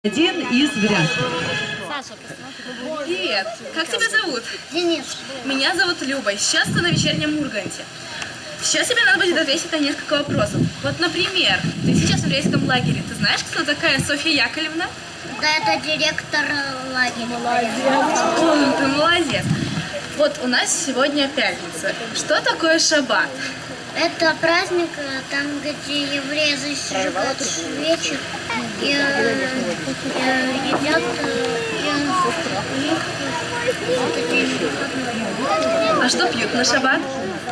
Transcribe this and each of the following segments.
Один из вариантов. Саша, Привет, как тебя зовут? Денис. Меня зовут Люба, сейчас ты на вечернем Урганте. Сейчас тебе надо будет ответить на несколько вопросов. Вот, например, ты сейчас в еврейском лагере. Ты знаешь, кто такая Софья Яковлевна? Да, это директор лагеря. О, ты молодец. Вот у нас сегодня пятница. Что такое шаббат? Это праздник, там, где евреи зажигают свечи и едят, А что пьют на шаббат?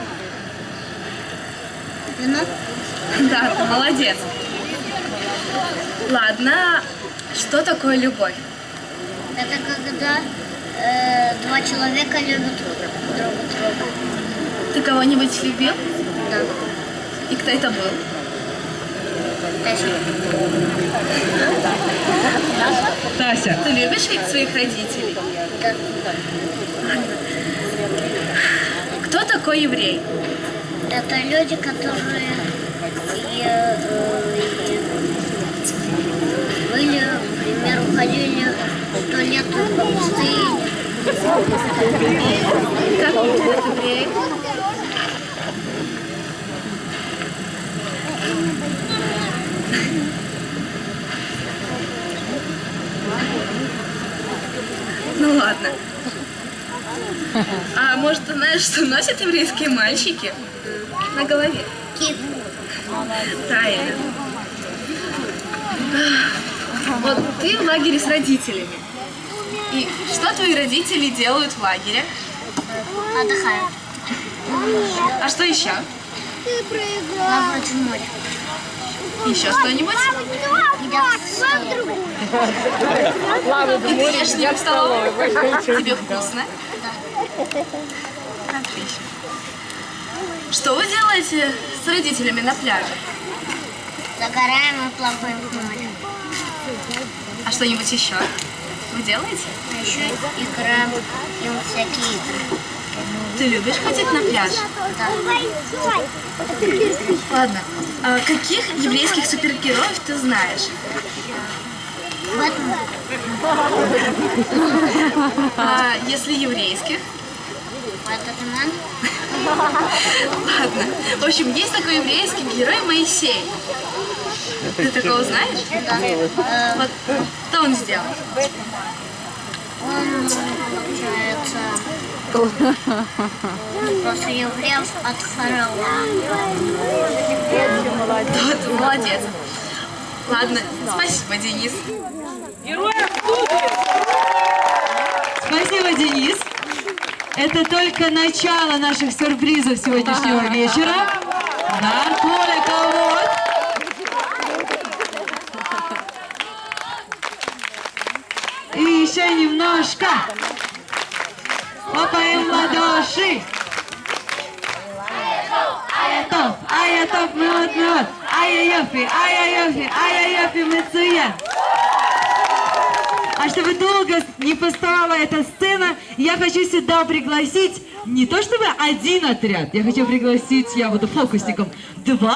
вино. Да, ты молодец. Ладно, что такое любовь? Это когда два человека любят друг друга. Ты кого-нибудь любил? Да. И кто это был? Тася. Ты любишь ведь своих родителей? Да. Кто такой еврей? Это люди, которые были, например, уходили 100 лет по пустыне. Как выглядят евреи? Ну ладно. А может, ты знаешь, что носят еврейские мальчики на голове? Кит. Правильно. Вот ты в лагере с родителями. И что твои родители делают в лагере? Отдыхают. А что еще? Плавают в море. Еще что-нибудь? Едят в столовой. И ты ешь не в столовой? Тебе вкусно? Отлично. Что вы делаете с родителями на пляже? Загораем и плаваем в море. А что-нибудь еще вы делаете? А еще играем в всякие игры. Ты любишь ходить на пляж? Ладно. А каких еврейских супергероев ты знаешь? Бэтмен. А если еврейских? Бэтмен. Ладно. В общем, есть такой еврейский герой Моисей. Ты такого знаешь? Да. Вот что он сделал? Он, получается, после евреев от фараона. Да, ты молодец. Ладно, спасибо, Денис. Спасибо, Денис. Это только начало наших сюрпризов сегодняшнего вечера. Да, Коля, кого? И еще немножко. Хлопаем в ладоши. Аятов, мед. Ай-яй-яфи, мецуя. А чтобы долго не пустовала эта сцена, я хочу сюда пригласить не то чтобы один отряд, я хочу пригласить, я буду фокусником, два.